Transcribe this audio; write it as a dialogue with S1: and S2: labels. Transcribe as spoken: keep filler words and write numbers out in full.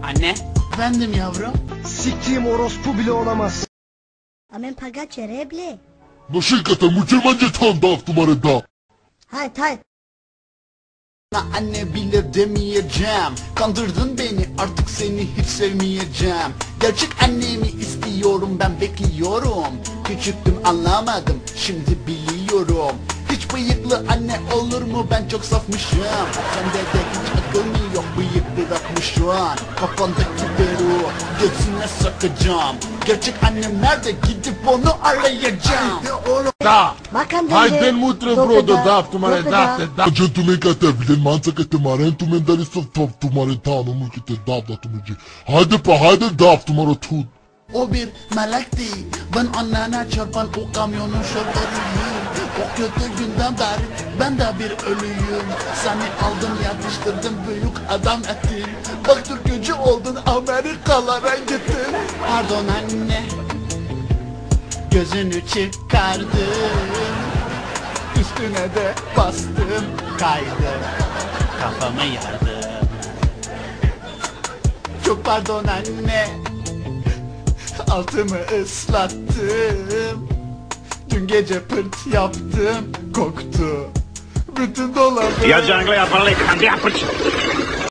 S1: Anne.
S2: Efendim yavrum.
S3: Siktiğim orospu bile olamaz.
S4: Amen pagace reble.
S5: Nashikata mükemmence tam da numarada.
S4: Hayt hayt.
S2: Anne bile demeyeceğim. Kandırdın beni, artık seni hiç sevmeyeceğim. Gerçek annemi istiyorum, ben bekliyorum. Küçüktüm anlamadım, şimdi biliyorum. Hiç bıyıklı anne olur mu, ben çok safmışım. Sende de hiç akıl mı yok, bıyık bırakmış an. Kafandaki beru göğsüne sakacağım. Gerçek annem nerede, gidip onu arayacağım.
S5: Da.
S4: Bakan
S5: Hayden mutre brodo da tumare da
S4: da.
S5: te da. Jen tume kate bilen mansa kate maren tumen dari sof top tumare ta no mu kate da da tumuji. Haydi pa haydi da tumare tut.
S2: O bir melekti, ben annene çarpan o kamyonun şoförüyüm. O kötü günden beri ben de bir ölüyüm. Seni aldım yatıştırdım, büyük adam ettim. Bak Türkücü oldun, Amerikalara gittin. Pardon anne, gözünü çıkardım. Üstüne de bastım, kaydı, kafamı yardım. Çok pardon anne, altımı ıslattım. Dün gece pırt yaptım, koktu bütün dolabı.
S6: Io già la parola